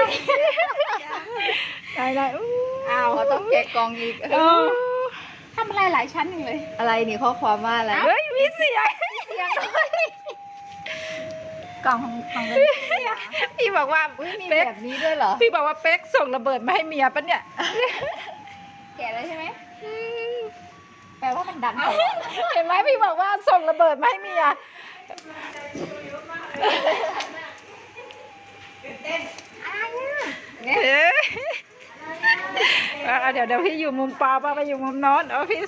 ได้อ้าวเขาต้องแกะกล่องอีกทำอะไรหลายชั้นอย่างเลยอะไรนี่ข้อความว่าอะไรเฮ้ยมีเสียงกล่องของเป็นพี่บอกว่ามีแบบนี้ด้วยเหรอพี่บอกว่าเป๊กส่งระเบิดมาให้เมียปะเนี่ยแกะแล้วใช่ไหมแปลว่ามันดังเห็นไหมพี่บอกว่าส่งระเบิดมาให้เมียเต้นเดี๋ยวพี่อยู่มุมปอป้าไปอยู่มุมโน้นเอาพี่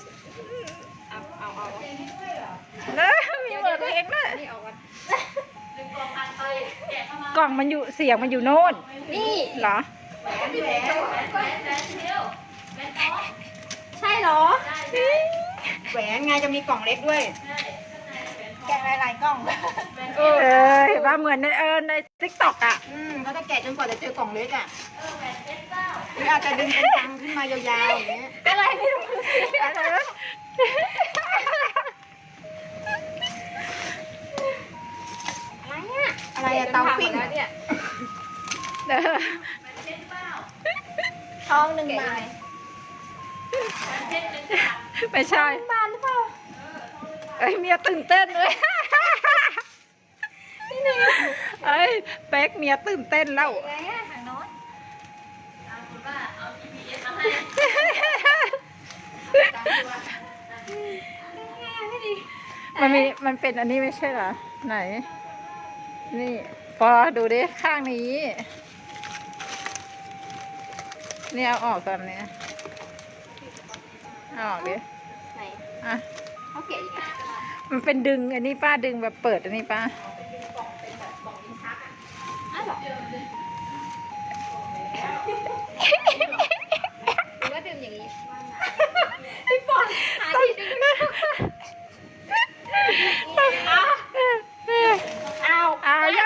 มีเปิดเพลงด้วยกล่องมันอยู่เสียงมันอยู่โน่นนี่เหรอใช่เหรอแหวนไงจะมีกล่องเล็กด้วยแกะหลายๆกล่องเห็นว่าเหมือนในติ๊กต็อกอ่ะเขาจะแกะจนกว่าจะเจอกล่องเล็กอ่ะหรืออาจจะดึงเป็นตังขึ้นมายาวๆอย่างเงี้ยอะไรไม่รู้อะไรอะเตาปิ้งเนี่ยท้องหนึ่งบาทไม่ใช่บาทหรือเปล่าเมียตื่นเต้นเลยเป๊กเมียตื่นเต้นแล้วทางโน้นคุณว่าเอา GPS มาให้มันเป็นอันนี้ไม่ใช่เหรอไหนนี่พอดูดิข้างนี้นี่เอาออกก่อนเนี่ยเอาออกดิไหนอ่ะเขาเกะอีกมันเป็นดึงอันนี้ป้าดึงแบบเปิดอันนี้ป้าหรือว่าดึงอย่างนี้พี่ปอนหาที่ดึงเอายัง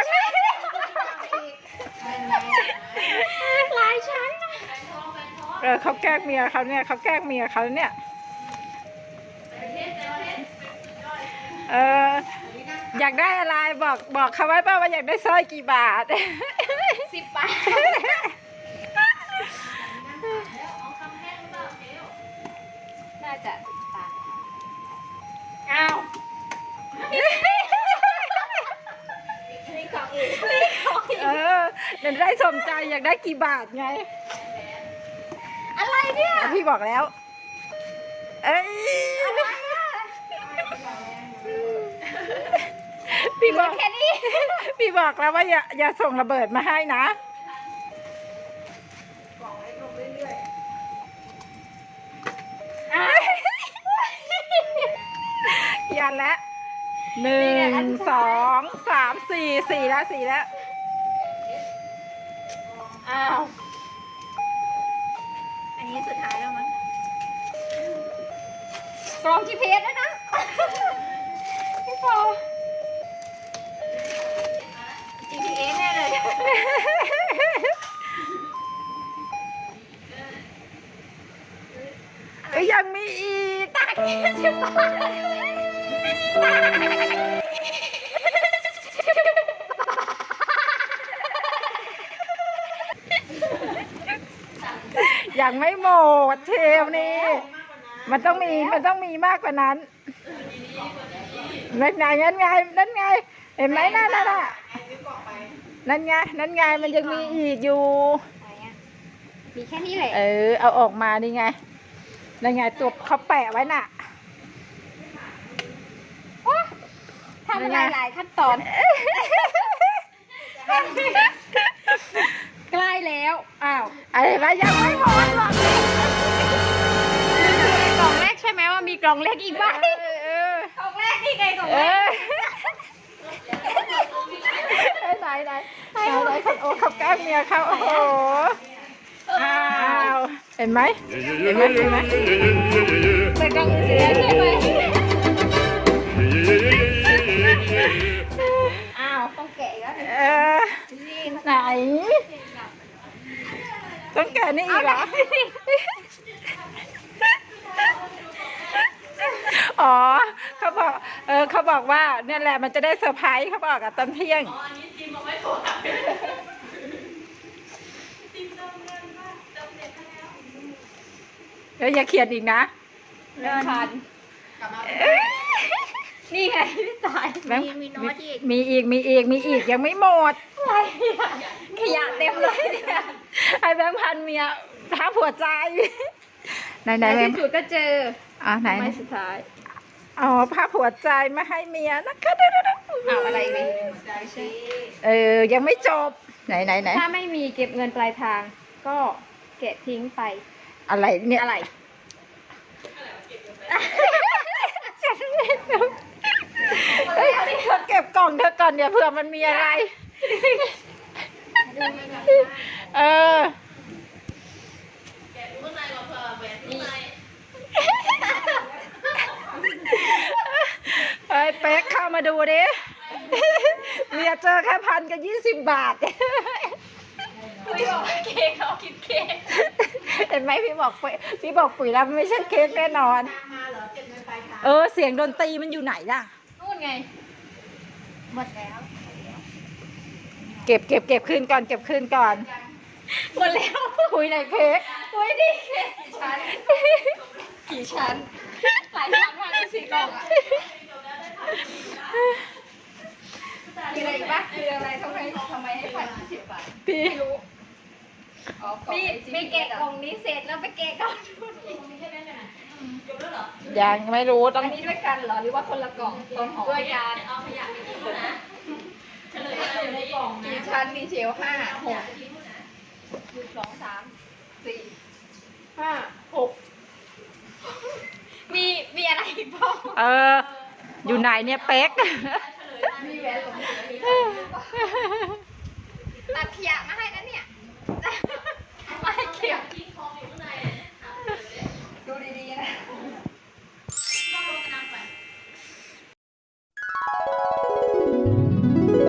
หลายชั้นเขาแกล้งเมียเขาเนี่ยเขาแกล้งเมียเขาเนี่ยอยากได้อะไรบอกเขาไว้ป่าว่าอยากได้สร้อยกี่บาท 10 บาทน่าจะ10 บาทอ้าวนี่ของอีกเดี๋ยวได้สมใจอยากได้กี่บาทไงอะไรเนี่ยพี่บอกแล้วพี่บอกแค่นี้พี่บอกแล้วว่าอย่าส่งระเบิดมาให้นะยันแล้ว1 2 3 4แล้วอ้าวอันนี้สุดท้ายแล้วมั้งกล่อง GPS ด้วยนะพี่ปอ GPS แน่เลยยังมีอีกตัก10 บาทยังไม่หมดเทปนี่มันต้องมีมากกว่านั้นนั่นไงเห็นไหมนั่นน่ะนั่นไงมันยังมีอีกอยู่มีแค่นี้เลยเอาออกมานี่ไงนั่นไงตัวเขาแปะไว้น่ะทำหลายขั้นตอนใกล้แล้วอ้าวอะไรยังไม่หมดหรอกกล่องแรกใช่ไหมว่ามีกล่องเล็กอีกบ้างกล่องแรกนี่ไงกล่องแรกไหนโอ้เขาแกล้งเมียเขาโอ้โหเห็นไหมแต่กล่องเสียใช่ไหมต้องแกะแล้วไหนต้องแกะนี่อีกเหรออ๋อเขาบอกว่าเนี่ยแหละมันจะได้เซอร์ไพรส์เขาบอกตอนเที่ยงแล้วอย่าเขียนอีกนะแบงค์พันกลับมานี่ไงพี่สายแบงค์มีโน้ตอีกมีอีกยังไม่หมดอะไรอะขยะเต็มเลยเนี่ยไอ้แบงค์พันเมียท้าผัวใจ ไหนในแบงที่ค์สุดก็เจอไหนไม้สุดท้ายอ๋อผ้าผัวใจมาให้เมียนะคะเอาอะไรไปใจสิยังไม่จบไหนถ้าไม่มีเก็บเงินปลายทาง ก็เก็บทิ้งไปอะไรเนี่ยอะไรเฮ้ยเธอเก็บกล่องเธอก่อนอย่าเผื่อมันมีอะไร เออเฮ้ยเป๊กเข้ามาดูดิเมียเจอแค่1,020 บาทพี่บอกเค้กเขาคิดเค้กเห็นไหมพี่บอกปุ๋ยแล้วมันไม่ใช่เค้กแน่นอนมาเหรอเก็บเงินปลายทางเสียงดนตรีมันอยู่ไหนล่ะนู่นไง หมดแล้วเก็บคืนก่อนเก็บคืนก่อนหมดแล้วคุยในเค้กโอ้ยดิเค้กกี่ชั้นหลายชั้นมากเลย4 กล่องอะมีอะไรอีกปะมีอะไรทำไมให้1,020 บาทพี่มีเกะกล่องนี้เสร็จแล้วไปเกะกล่องนู้นอีกยังไม่รู้ต้อัองนนี้ด้วยกันเหรอหรือว่าคนละกล่องต้นหอมด้วยกันเอาขยะไปทิ้งนะเฉลยอยู่ในกล่องนะกี่ชั้นมีเชล5 6 2 3 4 5 6มีอะไรอีกบ้างอยู่ไหนเนี่ยเป๊กมีแหวนหลงเหลืออีกตัดขยะมาให้นะเนี่ย